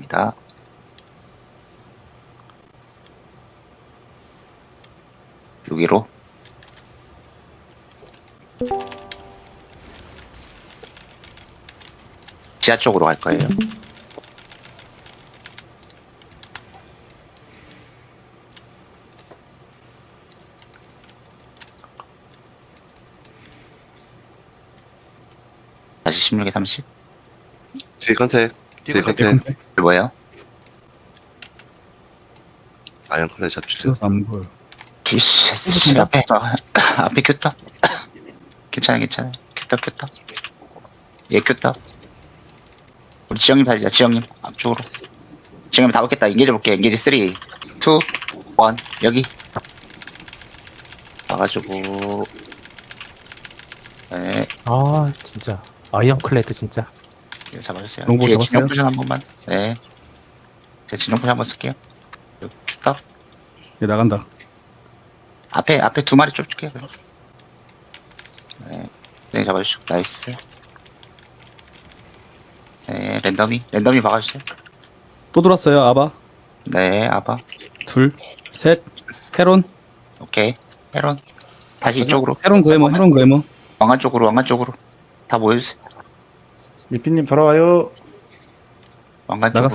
갑니다. 여기로 지하 쪽으로 갈 거예요. 다시 16에 30. 뒤 컨택. 뒤 컨택. 컨택 뭐예요? 아이언 컬러 잡시죠. 찍어서 안 보여. 뒤씨 앞에 앞에 큐다. 괜찮아. 큐다. 얘 큐다. 우리 지영님 살리자. 지영님 앞쪽으로. 지영님 다 먹겠다. 인게이지 볼게. 인게이지 3, 2, 1 여기. 와가지고 네 아 진짜 아이언클레드 진짜. 이거 잡아주세요. 롱보 뒤에 잡았어요? 진영 포션 한 번만. 네. 제 진영 포션 한번 쓸게요. 여기 큐다. 얘 나간다. 앞에 두 마리 쫓을게요. 그럼. 네, 잡아주시고 나이스. 네, 랜덤이 박아주세요. 또 돌았어요. 아바. 네, 아바. 둘, 셋. 헤론. 오케이. 헤론. 다시 이쪽으로. 헤론 고에모. 헤론 고에모. 왕관 쪽으로. 다 모여주세요. 리피님 돌아와요. 왕관 나갔어요.